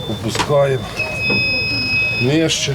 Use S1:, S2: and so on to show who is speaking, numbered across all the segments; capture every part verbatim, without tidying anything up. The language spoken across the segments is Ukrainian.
S1: Опускаємо. Нижче.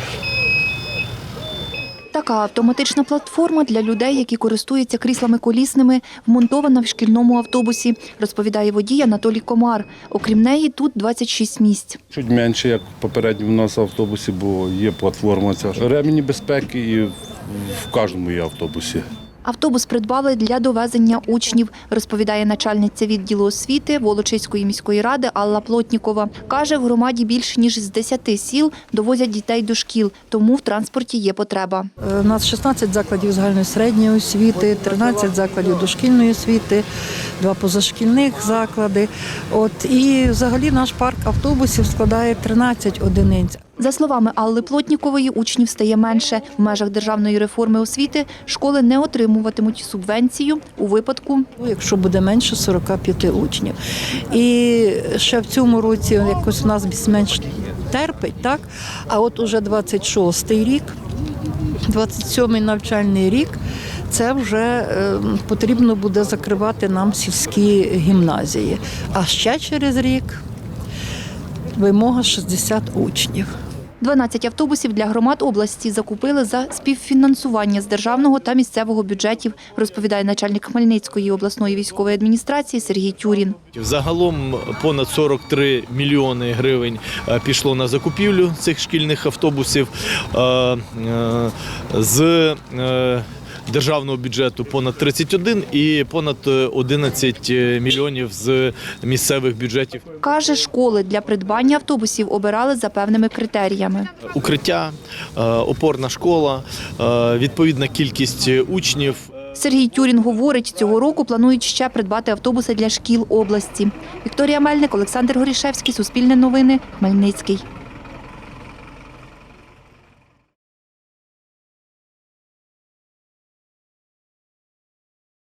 S2: Така автоматична платформа для людей, які користуються кріслами колісними, вмонтована в шкільному автобусі, розповідає водій Анатолій Комар. Окрім неї, тут двадцять шість місць.
S1: Чуть менше, як попередньо в нас в автобусі, бо є платформа ця. Ремені безпеки і в кожному є автобусі.
S2: Автобус придбали для довезення учнів, розповідає начальниця відділу освіти Волочиської міської ради Алла Плотнікова. Каже, в громаді більше ніж з десяти сіл довозять дітей до шкіл, тому в транспорті є потреба.
S3: У нас шістнадцять закладів загальної середньої освіти, тринадцять закладів дошкільної освіти, два позашкільних заклади. От, і взагалі наш парк автобусів складає тринадцять одиниць.
S2: За словами Алли Плотнікової, учнів стає менше. В межах державної реформи освіти школи не отримуватимуть субвенцію у випадку,
S3: якщо буде менше сорока п'яти учнів. І ще в цьому році якось у нас більш-менш терпить, так? А от уже двадцять шостий рік, двадцять сьомий навчальний рік, це вже е, потрібно буде закривати нам сільські гімназії. А ще через рік вимога шістдесят учнів.
S2: дванадцять автобусів для громад області закупили за співфінансування з державного та місцевого бюджетів, розповідає начальник Хмельницької обласної військової адміністрації Сергій Тюрін.
S4: Загалом понад сорок три мільйони гривень пішло на закупівлю цих шкільних автобусів. З державного бюджету понад тридцять один і понад одинадцять мільйонів з місцевих бюджетів.
S2: Каже, школи для придбання автобусів обирали за певними критеріями.
S4: Укриття, опорна школа, відповідна кількість учнів.
S2: Сергій Тюрін говорить, цього року планують ще придбати автобуси для шкіл області. Вікторія Мельник, Олександр Горішевський, Суспільне новини, Хмельницький.